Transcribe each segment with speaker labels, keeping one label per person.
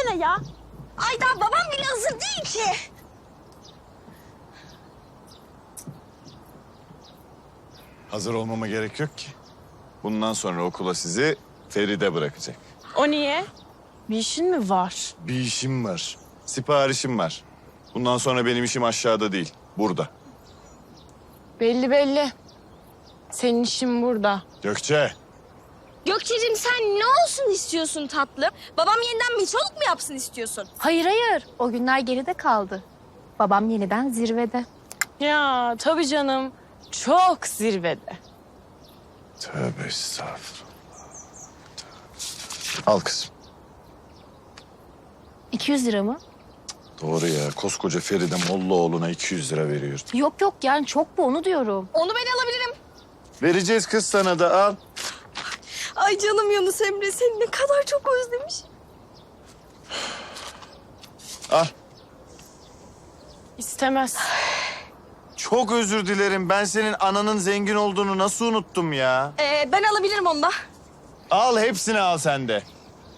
Speaker 1: versene ya.
Speaker 2: Ay daha babam bile hazır değil ki.
Speaker 3: Hazır olmama gerek yok ki. Bundan sonra okula sizi Feride bırakacak.
Speaker 1: O niye? Bir işin mi var?
Speaker 3: Bir işim var. Siparişim var. Bundan sonra benim işim aşağıda değil, burada.
Speaker 1: Belli belli. Senin işin burada.
Speaker 3: Gökçe,
Speaker 2: Gökçe'cim sen ne olsun istiyorsun tatlım? Babam yeniden miçoluk mu yapsın istiyorsun?
Speaker 4: Hayır hayır. O günler geride kaldı. Babam yeniden zirvede.
Speaker 1: Ya tabii canım. Çok zirvede.
Speaker 3: tövbe estağfurullah. Al kızım.
Speaker 4: 200 lira mı?
Speaker 3: Doğru ya, koskoca Feride Mollaoğlu'na 200 lira veriyor.
Speaker 4: Yok yok yani çok bu onu diyorum.
Speaker 2: Onu ben alabilirim.
Speaker 3: Vereceğiz kız sana da, al.
Speaker 2: Ay canım Yunus Emre seni ne kadar çok özlemiş.
Speaker 3: Al.
Speaker 1: İstemez.
Speaker 3: Çok özür dilerim. Ben senin ananın zengin olduğunu nasıl unuttum ya?
Speaker 2: Ben alabilirim onu da.
Speaker 3: Al, hepsini al sen de.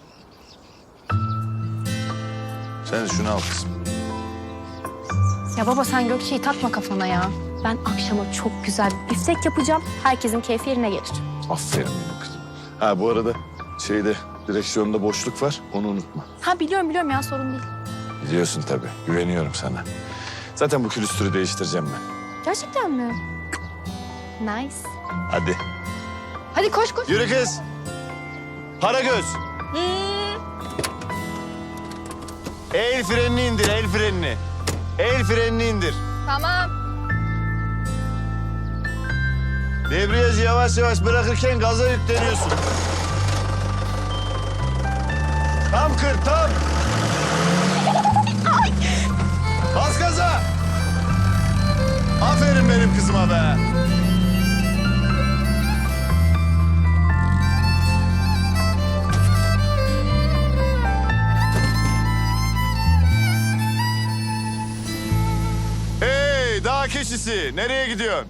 Speaker 3: Sen de şunu al kızım.
Speaker 4: Ya baba sen Gökçe'yi takma kafana ya. Ben akşama çok güzel bir biftek yapacağım. Herkesin keyfi yerine gelir.
Speaker 3: Aferin benim kızım. Ha bu arada direksiyonda boşluk var. Onu unutma.
Speaker 4: Ha biliyorum ya sorun değil.
Speaker 3: Biliyorsun tabii. Güveniyorum sana. Zaten bu külüstürü değiştireceğim ben.
Speaker 4: Gerçekten mi? Nice.
Speaker 3: Hadi.
Speaker 4: Hadi koş koş.
Speaker 3: Yürü kız. Paragöz. El frenini indir, el frenini. El frenini indir.
Speaker 4: Tamam.
Speaker 3: Debriyajı yavaş yavaş bırakırken gaza yükleniyorsun. Tam kır, tam. Bas gaza. Aferin benim kızıma be. Hey, dağ keçisi. Nereye gidiyorsun?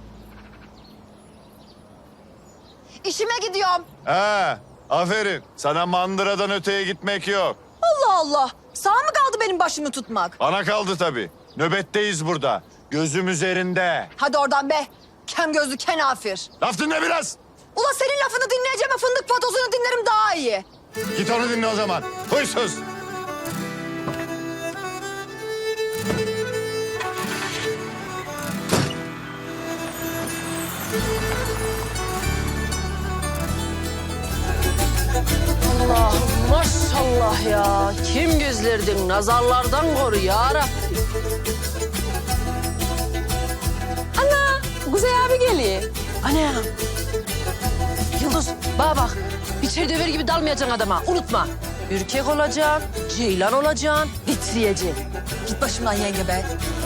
Speaker 2: İşime gidiyorum.
Speaker 3: Ha, aferin. Sana mandıradan öteye gitmek yok.
Speaker 2: Allah Allah. Sağ mı kaldı benim başımı tutmak?
Speaker 3: Bana kaldı tabii. Nöbetteyiz burada. Gözüm üzerinde.
Speaker 2: Hadi oradan be. Kem gözlü kenafir.
Speaker 3: Laf dinle biraz.
Speaker 2: Ula senin lafını dinleyeceğime fındık patozunu dinlerim daha iyi.
Speaker 3: Git onu dinle o zaman. Huysuz.
Speaker 5: Allah maşallah ya. Kim gözlerdin nazarlardan koru ya Rabbi. Ana Kuzey abi geliyor. Ana. Yıldız bana bak. Bir döver gibi dalmayacaksın adama. Unutma. Ürkek olacaksın, ceylan olacaksın, titriyeceksin.
Speaker 2: Git başımdan yenge be.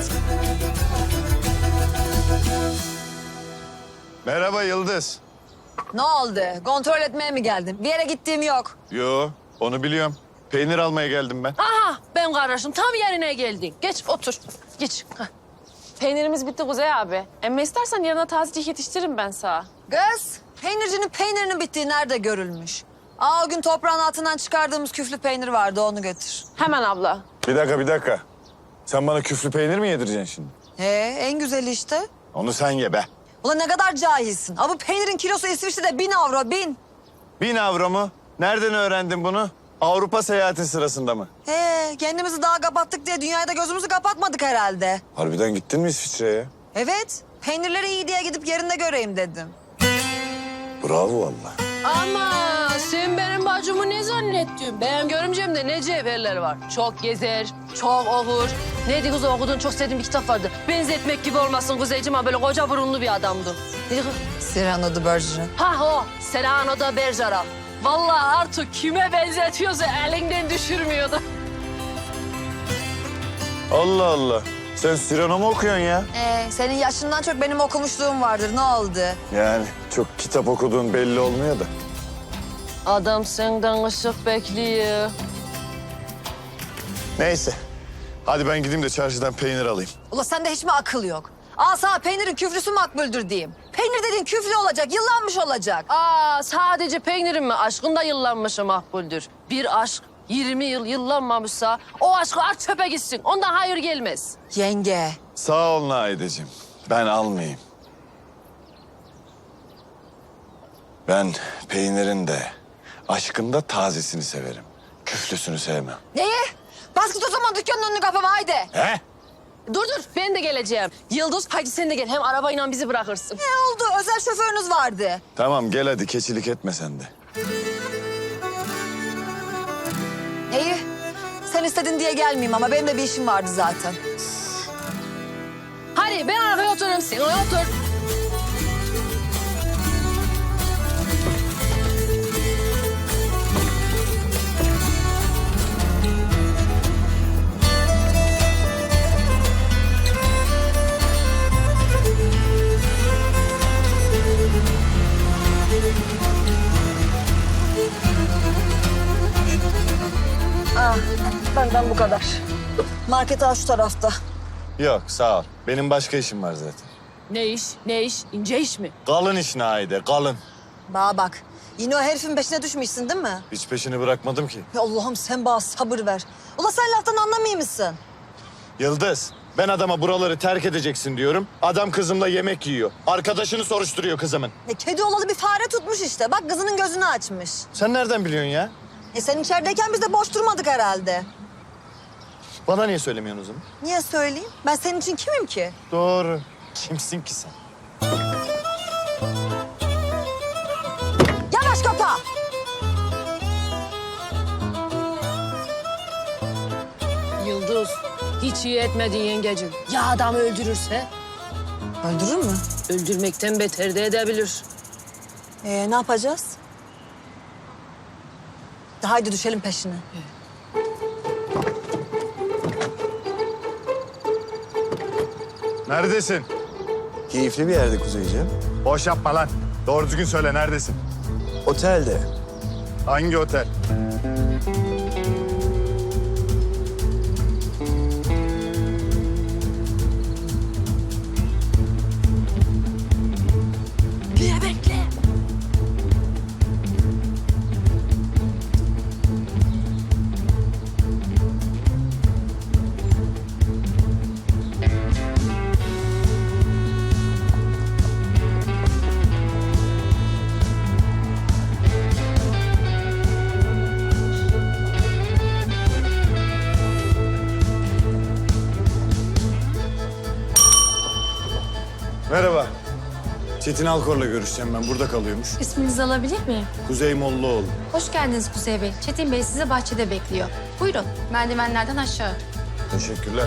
Speaker 3: Merhaba Yıldız.
Speaker 2: Ne oldu? Kontrol etmeye mi geldin? Bir yere gittiğim yok.
Speaker 3: Yo, onu biliyorum. Peynir almaya geldim ben.
Speaker 5: Aha ben kardeşim tam yerine geldin. Geç otur. Geç. Hah.
Speaker 1: Peynirimiz bitti Kuzey abi. Emme istersen yarına tazecik yetiştiririm ben sana.
Speaker 2: Kız, peynircinin peynirinin bittiği nerede görülmüş? O gün toprağın altından çıkardığımız küflü peynir vardı, onu götür.
Speaker 1: Hemen abla.
Speaker 3: Bir dakika. Sen bana küflü peynir mi yedireceksin şimdi?
Speaker 2: En güzeli işte.
Speaker 3: Onu sen ye be.
Speaker 2: Ulan ne kadar cahilsin. Bu peynirin kilosu İsviçre'de 1000 avro, 1000.
Speaker 3: 1000 avro mu? Nereden öğrendin bunu? Avrupa seyahati sırasında mı?
Speaker 2: Kendimizi daha kapattık diye dünyaya da gözümüzü kapatmadık herhalde.
Speaker 3: Harbiden gittin mi İsviçre'ye?
Speaker 2: Evet, peynirleri iyi diye gidip yerinde göreyim dedim.
Speaker 3: Bravo vallahi.
Speaker 5: Ama sen benim bacımı ne zannettin? Ben görümcemde ne cevherler var. Çok gezer, çok okur. Neydi kız okuduğun çok sevdiğim bir kitap vardı. Benzetmek gibi olmasın Kuzeyciğim ama böyle koca burunlu bir adamdı. Neydi kız?
Speaker 2: Cyrano de Bergerac.
Speaker 5: Ha o, Serrano da Bergerac. Vallahi artık kime benzetiyorsa elinden düşürmüyordu.
Speaker 3: Allah Allah. Sen Cyrano mu okuyorsun ya?
Speaker 2: Senin yaşından çok benim okumuşluğum vardır. Ne oldu?
Speaker 3: Yani çok kitap okuduğun belli olmuyor da.
Speaker 5: Adam senden ışık bekliyor.
Speaker 3: Neyse. Hadi ben gideyim de çarşıdan peynir alayım.
Speaker 2: Ula sende hiç mi akıl yok? Sana peynirin küflüsü makbuldür diyeyim. Peynir dediğin küflü olacak, yıllanmış olacak.
Speaker 5: Sadece peynirin mi? Aşkın da yıllanmışı makbuldür. Bir aşk 20 yıl yıllanmamışsa o aşkı at çöpe gitsin. Ondan hayır gelmez.
Speaker 2: Yenge.
Speaker 3: Sağ ol Naideciğim. Ben almayayım. Ben peynirin de, aşkın da tazesini severim. Küflüsünü sevmem.
Speaker 2: Neyi? Bas git o zaman dükkanın önünü kapama haydi.
Speaker 3: He?
Speaker 5: Dur ben de geleceğim. Yıldız haydi sen de gel. Hem arabayla bizi bırakırsın.
Speaker 2: Ne oldu? Özel şoförünüz vardı.
Speaker 3: Tamam gel hadi keçilik etme sen de.
Speaker 2: İyi. Sen istedin diye gelmeyeyim ama benim de bir işim vardı zaten.
Speaker 5: Hadi ben arkaya otururum sen oraya otur.
Speaker 2: Benden bu kadar. Market şu tarafta.
Speaker 3: Yok sağ ol. Benim başka işim var zaten.
Speaker 5: Ne iş? Ne iş? İnce iş mi?
Speaker 3: Kalın iş Naide, kalın.
Speaker 2: Bana bak. Yine o herifin peşine düşmüşsün değil mi?
Speaker 3: Hiç peşini bırakmadım ki.
Speaker 2: Ya Allah'ım sen bana sabır ver. Ula sen laftan anlamıyor musun?
Speaker 3: Yıldız, ben adama buraları terk edeceksin diyorum. Adam kızımla yemek yiyor. Arkadaşını soruşturuyor kızımın.
Speaker 2: Kedi olalı bir fare tutmuş işte. Bak kızının gözünü açmış.
Speaker 3: Sen nereden biliyorsun ya?
Speaker 2: Sen içerideyken biz de boş durmadık herhalde.
Speaker 3: Bana niye söylemiyorsun o zaman?
Speaker 2: Niye söyleyeyim? Ben senin için kimim ki?
Speaker 3: Doğru. Kimsin ki sen?
Speaker 2: Yavaş kapa.
Speaker 5: Yıldız, hiç iyi etmedin yengecim. Ya adamı öldürürse?
Speaker 2: Öldürür mü?
Speaker 5: Öldürmekten beter de edebilir.
Speaker 2: Ne yapacağız? Haydi düşelim peşine.
Speaker 3: Neredesin?
Speaker 6: Keyifli bir yerde Kuzeyciğim.
Speaker 3: Boş yapma lan. Doğru düzgün söyle neredesin?
Speaker 6: Otelde.
Speaker 3: Hangi otel?
Speaker 5: Bekle, bekle.
Speaker 3: Merhaba. Çetin Alkor'la görüşeceğim ben. Burada kalıyormuş.
Speaker 4: İsminizi alabilir miyim?
Speaker 3: Kuzey Mollaoğlu.
Speaker 4: Hoş geldiniz Kuzey Bey. Çetin Bey sizi bahçede bekliyor. Buyurun, merdivenlerden aşağı.
Speaker 3: Teşekkürler.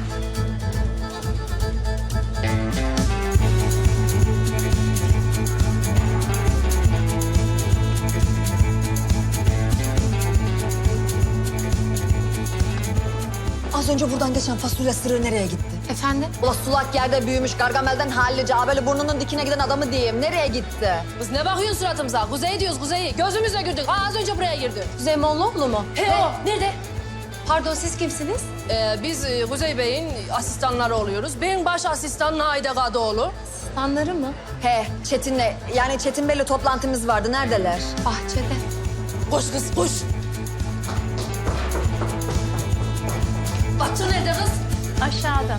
Speaker 2: Az önce buradan geçen fasulye sırrı nereye gitti?
Speaker 4: Efendim?
Speaker 2: Ula sulak yerde büyümüş, Gargamel'den hallice, böyle burnunun dikine giden adamı diyeyim. Nereye gitti?
Speaker 5: Biz ne bakıyorsun suratımıza? Kuzey diyoruz, kuzeyi. Gözümüzle gördük. Az önce buraya girdi.
Speaker 4: Kuzey Mollaoğlu mu?
Speaker 5: He o. Nerede?
Speaker 4: Pardon, siz kimsiniz?
Speaker 5: Biz Kuzey Bey'in asistanları oluyoruz. Ben baş asistan Naide Kadıoğlu.
Speaker 4: Standları mı?
Speaker 2: He, Çetin'le, yani Çetin Bey'le toplantımız vardı. Neredeler?
Speaker 4: Bahçede.
Speaker 5: Koş kız, koş. Batır nerede kız?
Speaker 4: Aşağıda.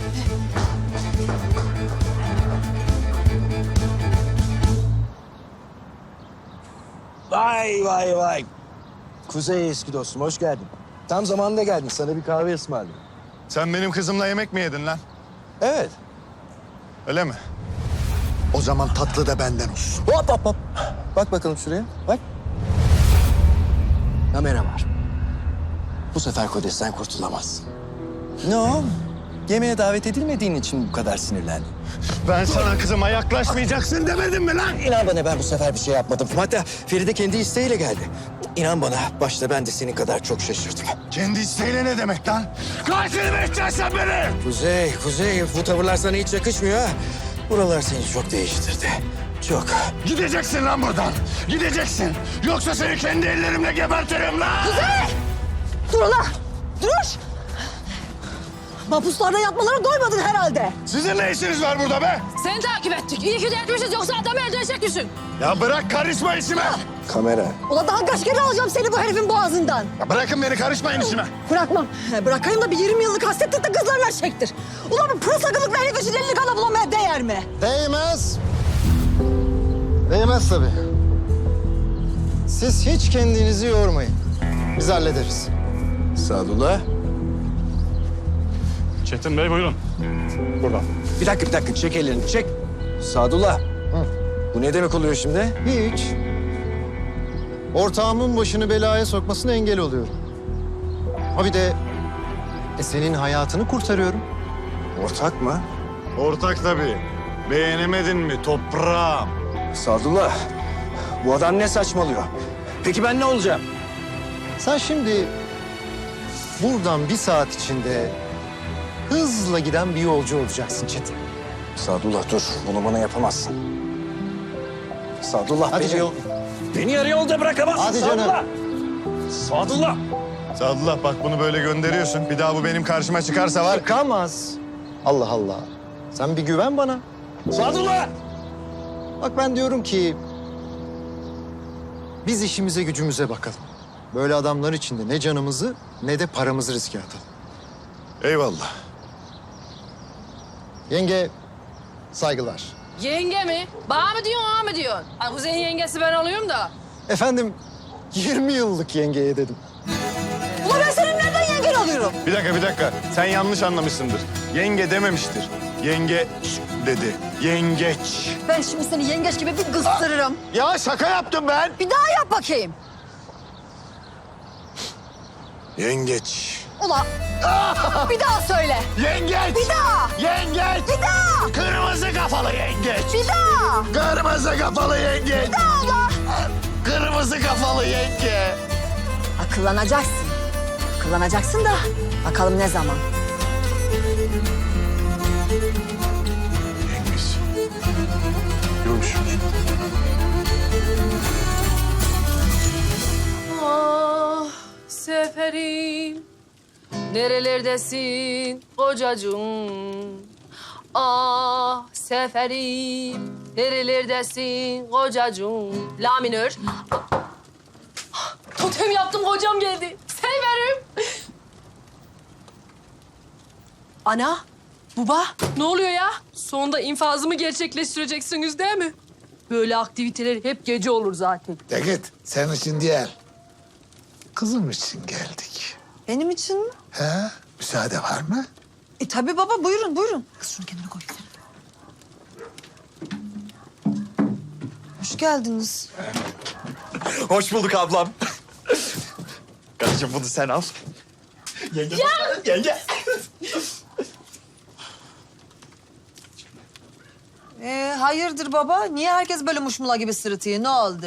Speaker 6: Vay vay vay. Kuzey eski dostum hoş geldin. Tam zamanında geldin. Sana bir kahve ısmarladım.
Speaker 3: Sen benim kızımla yemek mi yedin lan?
Speaker 6: Evet.
Speaker 3: Öyle mi? O zaman tatlı da benden olsun.
Speaker 6: Hop hop hop. Bak bakalım şuraya. Bak. Kamera var. Bu sefer Kodes'ten kurtulamazsın. Ne o? Yemeğe davet edilmediğin için bu kadar sinirlendin.
Speaker 3: Ben sana kızıma yaklaşmayacaksın demedim mi lan?
Speaker 6: İnan bana ben bu sefer bir şey yapmadım. Hatta Feride kendi isteğiyle geldi. İnan bana başta ben de senin kadar çok şaşırdım.
Speaker 3: Kendi isteğiyle ne demek lan? Katil mi edeceksin sen beni?
Speaker 6: Kuzey bu tavırlar sana hiç yakışmıyor ha. Buralar seni çok değiştirdi. Çok.
Speaker 3: Gideceksin lan buradan. Gideceksin. Yoksa seni kendi ellerimle gebertirim lan.
Speaker 2: Dur ula! Dur! Mahpuslarda yatmalara doymadın herhalde.
Speaker 3: Sizin ne işiniz var burada be?
Speaker 5: Seni takip ettik. İyi ki de etmişiz. Yoksa adamı öldürecek misin?
Speaker 3: Ya bırak karışma işime.
Speaker 6: Kamera.
Speaker 2: Ula daha kaç kere alacağım seni bu herifin boğazından.
Speaker 3: Ya bırakın beni karışmayın işime.
Speaker 2: Bırakmam. Bırakayım da bir 20 yıllık hasretlik de kızlarla çektir. Ulan bu pırıl sakınlıkla herif için elini kana bulamaya değer mi?
Speaker 6: Değmez. Değmez tabii. Siz hiç kendinizi yormayın. Biz hallederiz. Sadullah.
Speaker 7: Çetin Bey buyurun. Buradan.
Speaker 6: Bir dakika. Çek ellerini, çek. Sadullah. Bu ne demek oluyor şimdi? Hiç. Ortağımın başını belaya sokmasına engel oluyorum. Ha bir de senin hayatını kurtarıyorum. Ortak mı?
Speaker 3: Ortak tabii. Beğenemedin mi toprağım?
Speaker 6: Sadullah, bu adam ne saçmalıyor? Peki ben ne olacağım? Sen şimdi buradan bir saat içinde hızla giden bir yolcu olacaksın Çetin. Sadullah dur, bunu bana yapamazsın. Sadullah hadi canım.
Speaker 7: Beni yarı yolda bırakamazsın.
Speaker 6: Hadi canım.
Speaker 7: Sadullah.
Speaker 3: Sadullah bak bunu böyle gönderiyorsun. Bir daha bu benim karşıma çıkarsa var.
Speaker 6: Çıkamaz. Allah Allah. Sen bir güven bana.
Speaker 7: Sadullah.
Speaker 6: Bak ben diyorum ki biz işimize gücümüze bakalım. Böyle adamlar içinde ne canımızı ne de paramızı riske atalım.
Speaker 3: Eyvallah.
Speaker 6: Yenge saygılar.
Speaker 5: Yenge mi? Bana mı diyorsun, ona mı diyorsun? Ay Kuzey'in yengesi ben oluyorum da.
Speaker 6: Efendim 20 yıllık yengeye dedim.
Speaker 2: Ulan ben senin nereden yengen alıyorum?
Speaker 3: Bir dakika. Sen yanlış anlamışsındır. Yenge dememiştir. Yenge dedi. Yengeç.
Speaker 2: Ben şimdi seni yengeç gibi bir kıstırırım.
Speaker 3: Ya şaka yaptım ben.
Speaker 2: Bir daha yap bakayım.
Speaker 3: Yengeç.
Speaker 2: Ulan bir daha söyle.
Speaker 3: Yengeç.
Speaker 2: Bir daha.
Speaker 3: Yengeç.
Speaker 2: Bir daha.
Speaker 3: Kırmızı kafalı yengeç.
Speaker 2: Bir daha.
Speaker 3: Kırmızı kafalı yengeç.
Speaker 2: Bir daha ulan.
Speaker 3: Kırmızı kafalı yenge.
Speaker 2: Akıllanacaksın. Akıllanacaksın da bakalım ne zaman.
Speaker 3: Yengeç. Yumuş.
Speaker 5: Ah seferim, nerelerdesin kocacığım? Ah seferim, nerelerdesin kocacığım? La minör. Ah, totem yaptım, kocam geldi. Severim. Ana, baba, ne oluyor ya? Sonunda infazımı gerçekleştireceksiniz değil mi? Böyle aktiviteler hep gece olur zaten.
Speaker 8: De git, senin için değil. Kızım için geldik.
Speaker 2: Benim için mi?
Speaker 8: He? Müsaade var mı?
Speaker 2: Tabii baba buyurun buyurun. Kız şunu kendine koy. Hoş geldiniz.
Speaker 6: Hoş bulduk ablam. Kardeşim bunu sen al. Yenge. Yenge.
Speaker 2: Hayırdır baba? Niye herkes böyle muşmula gibi sırıtıyor? Ne oldu?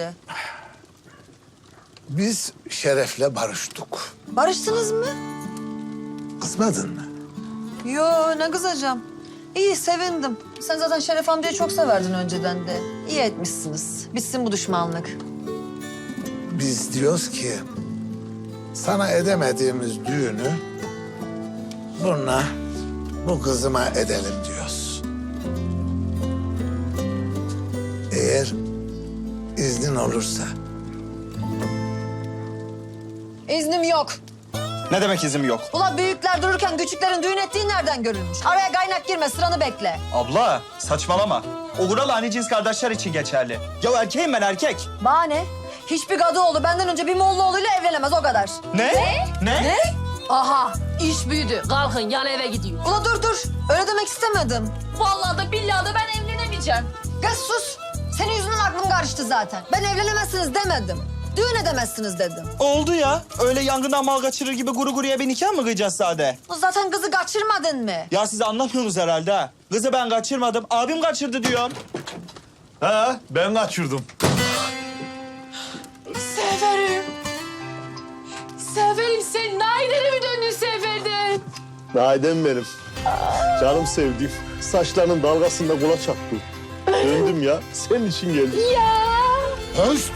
Speaker 8: Biz Şeref'le barıştık.
Speaker 2: Barıştınız mı?
Speaker 8: Kızmadın mı?
Speaker 2: Yo ne kızacağım. İyi sevindim. Sen zaten Şeref amcayı çok severdin önceden de. İyi etmişsiniz. Bitsin bu düşmanlık.
Speaker 8: Biz diyoruz ki sana edemediğimiz düğünü bununla bu kızıma edelim diyoruz. Eğer iznin olursa.
Speaker 2: İznim yok.
Speaker 6: Ne demek izim yok?
Speaker 2: Ula büyükler dururken küçüklerin düğün ettiği nereden görülmüş? Araya kaynak girme, sıranı bekle.
Speaker 9: Abla saçmalama. O kural hani cins kardeşler için geçerli. Ya erkeğim ben erkek.
Speaker 2: Bana ne? Hiçbir Kadıoğlu benden önce bir Mollaoğlu'yla evlenemez o kadar.
Speaker 9: Ne?
Speaker 5: Aha, iş büyüdü. Kalkın, yan eve gidiyor.
Speaker 2: Ula dur. Öyle demek istemedim.
Speaker 5: Vallahi da billahi da ben evlenemeyeceğim.
Speaker 2: Kız sus. Senin yüzünden aklım karıştı zaten. Ben evlenemezsiniz demedim. Düğün edemezsiniz dedim.
Speaker 9: Oldu ya. Öyle yangından mal kaçırır gibi guru guruya bir nikah mı kıyacağız sade?
Speaker 2: Bu zaten kızı kaçırmadın mı?
Speaker 9: Ya siz anlamıyorsunuz herhalde ha. Kızı ben kaçırmadım. Abim kaçırdı diyorum.
Speaker 3: Ha ben kaçırdım.
Speaker 5: Severim. Severim, sen Naider'e mi döndün Sefer'den?
Speaker 10: Naidem benim. Canım sevdiğim. Saçlarının dalgasında kula çaktım. Döndüm ya. Senin için geldim.
Speaker 8: Höst!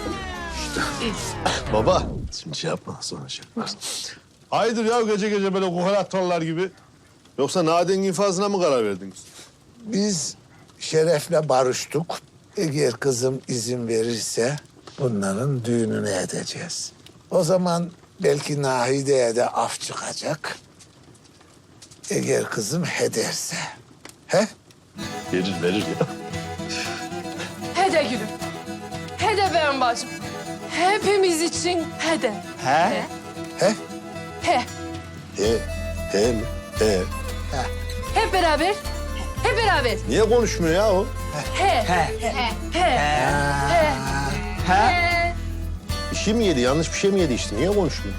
Speaker 10: Baba. Şimdi şey yapma sonra şey yaparsın. Hayırdır ya gece gece böyle kokonatlarlar gibi. Yoksa Nadia'nın infazına mı karar verdiniz?
Speaker 8: Biz Şeref'le barıştık. Eğer kızım izin verirse bunların düğününü edeceğiz. O zaman belki Nahide'ye de af çıkacak. Eğer kızım ederse. He?
Speaker 10: Verir ya.
Speaker 5: Hede gülüm. Hede benim bacım. Hepimiz için hede.
Speaker 9: He?
Speaker 8: He?
Speaker 5: He.
Speaker 10: He mi? He.
Speaker 5: Hep beraber. Hep beraber.
Speaker 10: Niye konuşmuyor ya o?
Speaker 5: He. He. He. He.
Speaker 10: Bir şey mi yedi? Yanlış bir şey mi yedi işte? Niye konuşmuyor?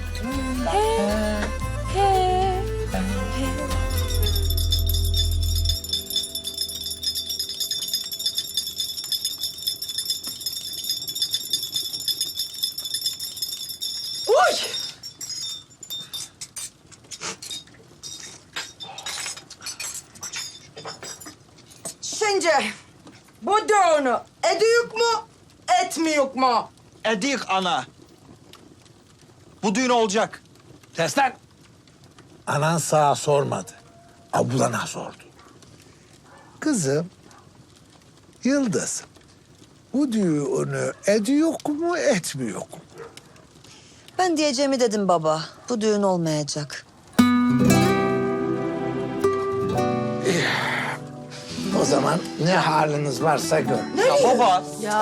Speaker 11: Şimdi bu düğünü ediyoruz mu, etmiyoruz mu?
Speaker 9: Edik ana. Bu düğün olacak.
Speaker 7: Kes lan.
Speaker 8: Anan sağa sormadı. Ablana sordu. Kızım, Yıldız, bu düğünü ediyor mu, etmiyor mu?
Speaker 2: Ben diyeceğimi dedim baba. Bu düğün olmayacak.
Speaker 8: O zaman ne haliniz varsa gör.
Speaker 9: Ya baba.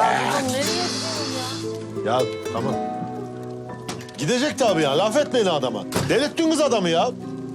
Speaker 10: Ya tamam. Gidecek tabii ya. Laf etmeyin adama. Delirttiniz adamı ya.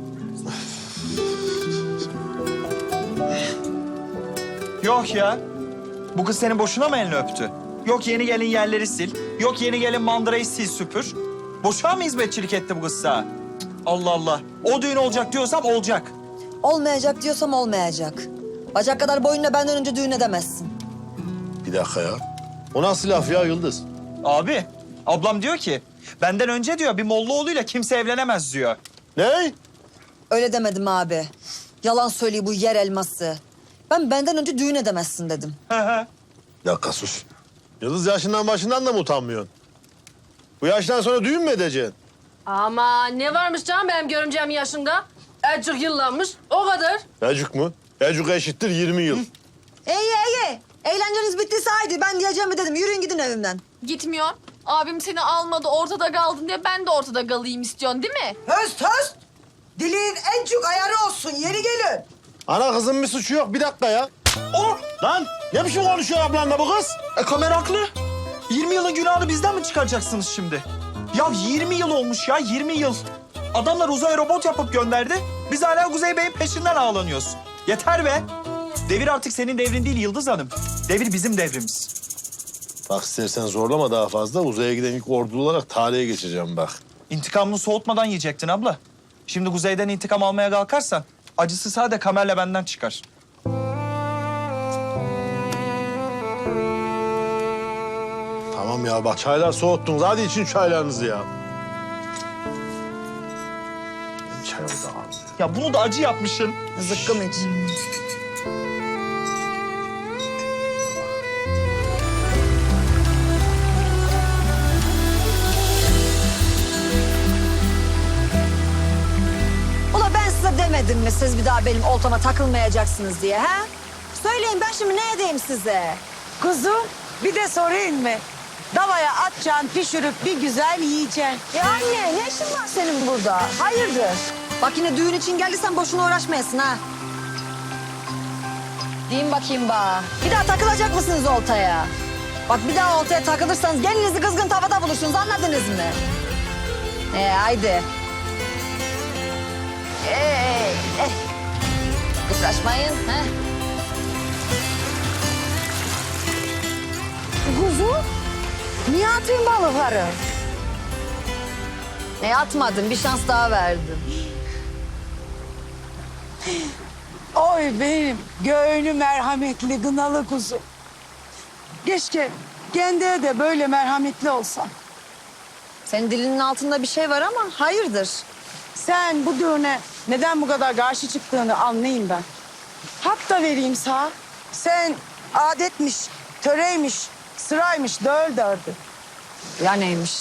Speaker 9: Yok ya. Bu kız senin boşuna mı elini öptü? Yok yeni gelin yerleri sil. Yok yeni gelin mandırayı sil süpür. Boşuna mı hizmetçilik etti bu kız sana? Cık, Allah Allah. O düğün olacak diyorsam olacak.
Speaker 2: Olmayacak diyorsam olmayacak. Bacak kadar boyunla benden önce düğün edemezsin.
Speaker 10: Bir dakika ya. O nasıl laf ya Yıldız?
Speaker 9: Abi, ablam diyor ki benden önce diyor bir Mollaoğlu'yla kimse evlenemez diyor.
Speaker 10: Ne?
Speaker 2: Öyle demedim abi. Yalan söylüyor bu yer elması. Ben benden önce düğün edemezsin dedim.
Speaker 10: Bir dakika sus. Yıldız yaşından başından da mı utanmıyorsun? Bu yaştan sonra düğün mü edeceksin?
Speaker 5: Ama ne varmış canım benim görümcem yaşında? Azıcık yıllanmış, o kadar.
Speaker 10: Ecuk mu? Ecuk eşittir 20 yıl.
Speaker 2: İyi. Eğlenceniz bittiyse haydi. Ben diyeceğimi dedim. Yürüyün gidin evimden.
Speaker 1: Gitmiyor. Abim seni almadı, ortada kaldın diye ben de ortada kalayım istiyorsun değil mi?
Speaker 11: Höst höst. Dilin en çok ayarı olsun, yeri gelin.
Speaker 10: Ana kızın bir suçu yok. Bir dakika ya.
Speaker 9: Oh!
Speaker 10: Lan ne biçim konuşuyor ablanla bu kız?
Speaker 9: Kamer haklı. 20 yılın günahını bizden mi çıkaracaksınız şimdi? Ya 20 yıl olmuş ya, 20 yıl. Adamlar uzaya robot yapıp gönderdi. Biz hala Kuzey Bey'in peşinden ağlanıyoruz. Yeter be. Devir artık senin devrin değil Yıldız Hanım. Devir bizim devrimiz.
Speaker 10: Bak istersen zorlama daha fazla. Uzaya giden ilk ordulu olarak tarihe geçeceğim bak.
Speaker 9: İntikamını soğutmadan yiyecektin abla. Şimdi Kuzey'den intikam almaya kalkarsan acısı sadece Kamer'le benden çıkar.
Speaker 10: Tamam ya bak çaylar soğuttunuz. Hadi için çaylarınızı ya. Benim çay orada kaldı.
Speaker 9: Ya bunu da acı yapmışsın.
Speaker 2: Zıkkım iç. Ula ben size demedim mi siz bir daha benim oltama takılmayacaksınız diye ha? Söyleyin ben şimdi ne edeyim size?
Speaker 11: Kızım, bir de sorayım mı? Davaya atacaksın, pişirip bir güzel yiyeceksin.
Speaker 2: Ya anne ne işin var senin burada? Hayırdır? Bak yine düğün için geldiysen boşuna uğraşmayasın ha. Deyin bakayım bana. Bir daha takılacak mısınız oltaya? Bak bir daha oltaya takılırsanız gelinizi kızgın tavada bulursunuz anladınız mı? Haydi. Kıpraşmayın. He.
Speaker 11: Kuzu, niye atayım balıkları?
Speaker 2: Atmadım bir şans daha verdim.
Speaker 11: Oy benim göğünü merhametli gınalı kuzum. Keşke kendine de böyle merhametli olsan.
Speaker 2: Senin dilinin altında bir şey var ama hayırdır?
Speaker 11: Sen bu düğüne neden bu kadar karşı çıktığını anlayayım ben. Hak da vereyim sana. Sen adetmiş, töreymiş, sıraymış döl dördü.
Speaker 2: Ya neymiş?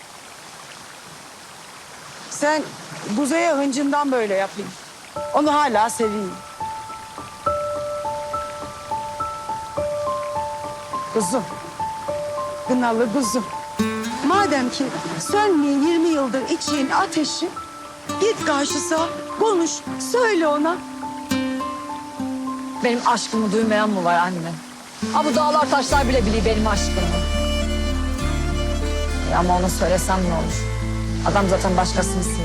Speaker 11: Sen Kuzey'e hıncından böyle yapayım. Onu hala seveyim. Kuzum. Kınalı kuzum. Madem ki sönmeyen 20 yıldır içtiğin ateşi, git karşısa, konuş, söyle ona.
Speaker 2: Benim aşkımı duymayan mı var anne? Ha bu dağlar taşlar bile biliyor benim aşkımı. Ama ona söylesem ne olur? Adam zaten başkasını seviyor.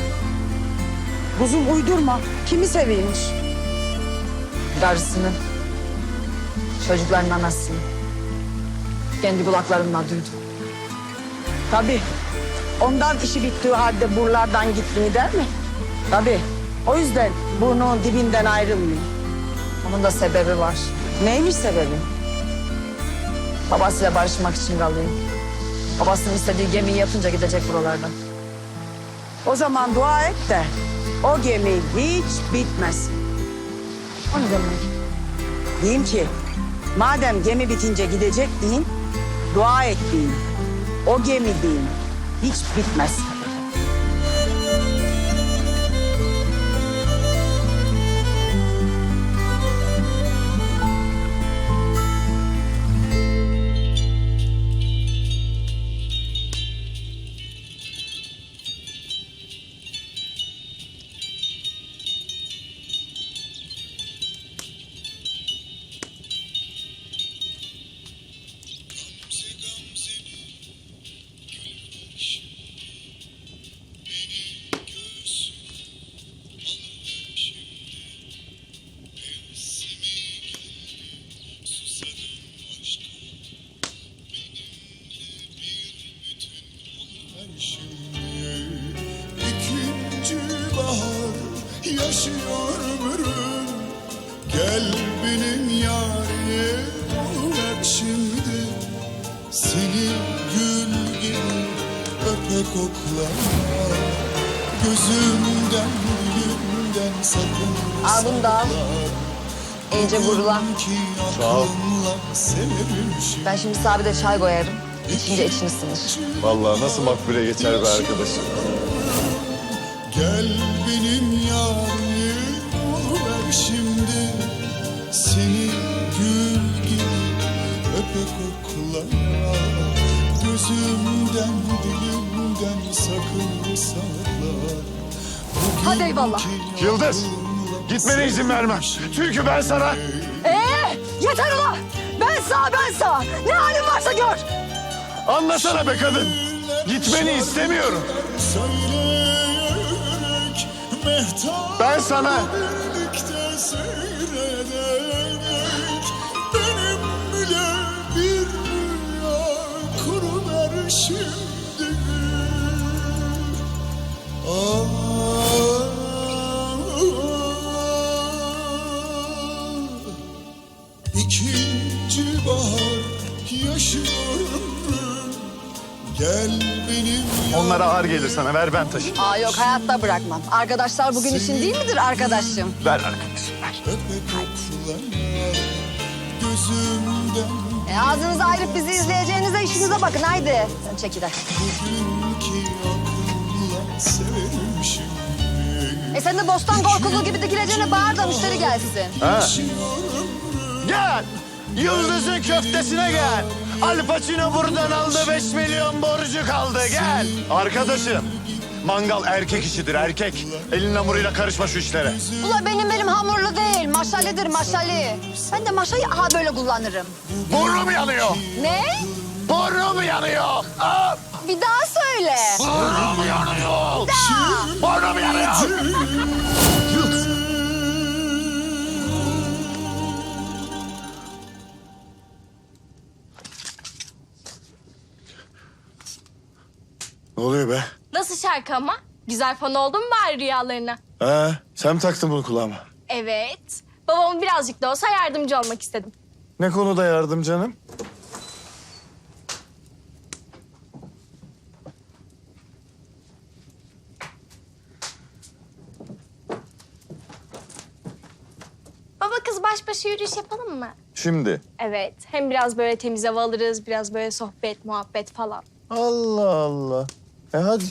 Speaker 11: Kuzum uydurma. Kimi seviyormuş?
Speaker 2: Karısını, çocukların anasını. Kendi kulaklarımla duydum.
Speaker 11: Tabii. Ondan işi bittiği halde buralardan gitmeyi der mi? Tabii. O yüzden burnunun dibinden ayrılmıyor.
Speaker 2: Onun da sebebi var.
Speaker 11: Neymiş sebebi?
Speaker 2: Babasıyla barışmak için kalıyor. Babasının istediği gemiyi yapınca gidecek buralardan.
Speaker 11: O zaman dua et de o gemi hiç bitmesin.
Speaker 2: O ne demek?
Speaker 11: Diyeyim ki madem gemi bitince gidecek deyin, dua et deyin. O gemi deyin, hiç bitmesin.
Speaker 12: İkinci bahar yaşıyor ömrüm. Gel benim yarim oluver şimdi. Seni gül gibi öpe kokla. Gözümden dilimden sakın
Speaker 2: Al bunu da al. İyice vurulan.
Speaker 3: Sağ ol.
Speaker 2: Ben şimdi sana bir de çay koyarım. İçince için ısınır.
Speaker 3: Vallahi nasıl makbule geçer be arkadaşım.
Speaker 12: Gel benim yarim oluver şimdi. Seni gül gibi öpe kokla. Gözümden dilimden sakın sakla.
Speaker 2: Hadi eyvallah.
Speaker 3: Yıldız, gitmene izin vermem. Çünkü ben sana...
Speaker 2: Yeter ulan! Ben sağ. Ne halin varsa gör.
Speaker 3: Anlasana be kadın. Gitmeni istemiyorum.
Speaker 12: Söyleyerek mehtap
Speaker 3: Ben sana...
Speaker 12: birlikte seyrederek benim bile bir rüya kuruver şimdi. İkinci bahar yaşıyorum. Gel benim
Speaker 3: Onlara ağır gelir sana. Ver ben taşıyayım.
Speaker 2: Aa yok hayatta bırakmam. Arkadaşlar bugün için değil midir arkadaşım?
Speaker 3: Ver arkadaşım, ver.
Speaker 12: gözümden
Speaker 2: Ağzınızı ayırıp bizi izleyeceğinize işinize bakın haydi. Sen çekil hadi.
Speaker 12: bugünkü aklımla severim şimdi.
Speaker 2: Sen de bostan korkulu gibi dikileceğine bağır da müşteri gelsin.
Speaker 3: Ha? Gel. Yıldız'ın köftesine gel. Al Pacino buradan aldı 5 milyon borcu kaldı gel. Arkadaşım mangal erkek işidir erkek. Elin hamuruyla karışma şu işlere.
Speaker 2: Ula benim hamurlu değil maşalidir maşali. Ben de maşayı aha böyle kullanırım.
Speaker 3: Burnum yanıyor.
Speaker 2: Ne?
Speaker 3: Burnum yanıyor. Aa,
Speaker 2: Bir daha söyle.
Speaker 3: burnum yanıyor. Burnum yanıyor. Yıldız. Ne oluyor be?
Speaker 4: Nasıl şarkı ama? Güzel fan oldun mu bari rüyalarına?
Speaker 3: Ha, sen mi taktın bunu kulağıma?
Speaker 4: Evet. Babamın birazcık da olsa yardımcı olmak istedim.
Speaker 3: Ne konuda yardım canım?
Speaker 4: Baba kız baş başa yürüyüş yapalım mı?
Speaker 3: Şimdi.
Speaker 4: Evet. Hem biraz böyle temiz hava alırız, biraz böyle sohbet, muhabbet falan.
Speaker 3: Allah Allah. Hadi.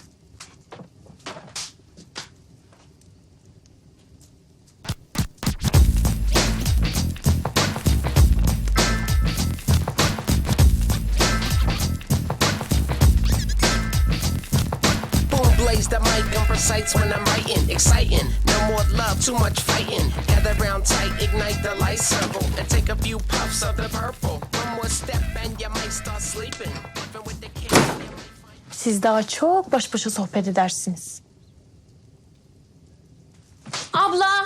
Speaker 13: sights when I'm writing, exciting. No more love, too much fighting. Gather round tight, ignite the light circle, and take a few puffs of the purple. One more step and you might start sleeping. Even with the kids, you might find-
Speaker 4: Siz daha çok baş başa sohbet edersiniz. Abla!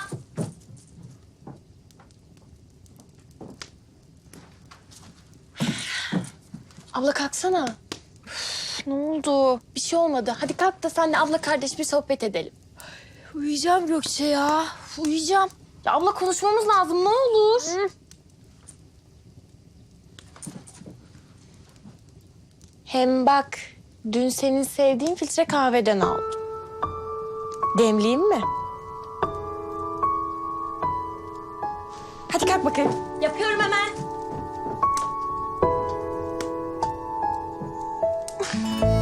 Speaker 4: Abla kalksana. Üf, ne oldu? Bir şey olmadı. Hadi kalk da senle abla kardeş bir sohbet edelim. Uyuyacağım Gökçe ya. Uyuyacağım. Ya abla konuşmamız lazım ne olur. Hem bak dün senin sevdiğin filtre kahveden aldım. Demleyeyim mi? Hadi kalk bakayım. Yapıyorum hemen.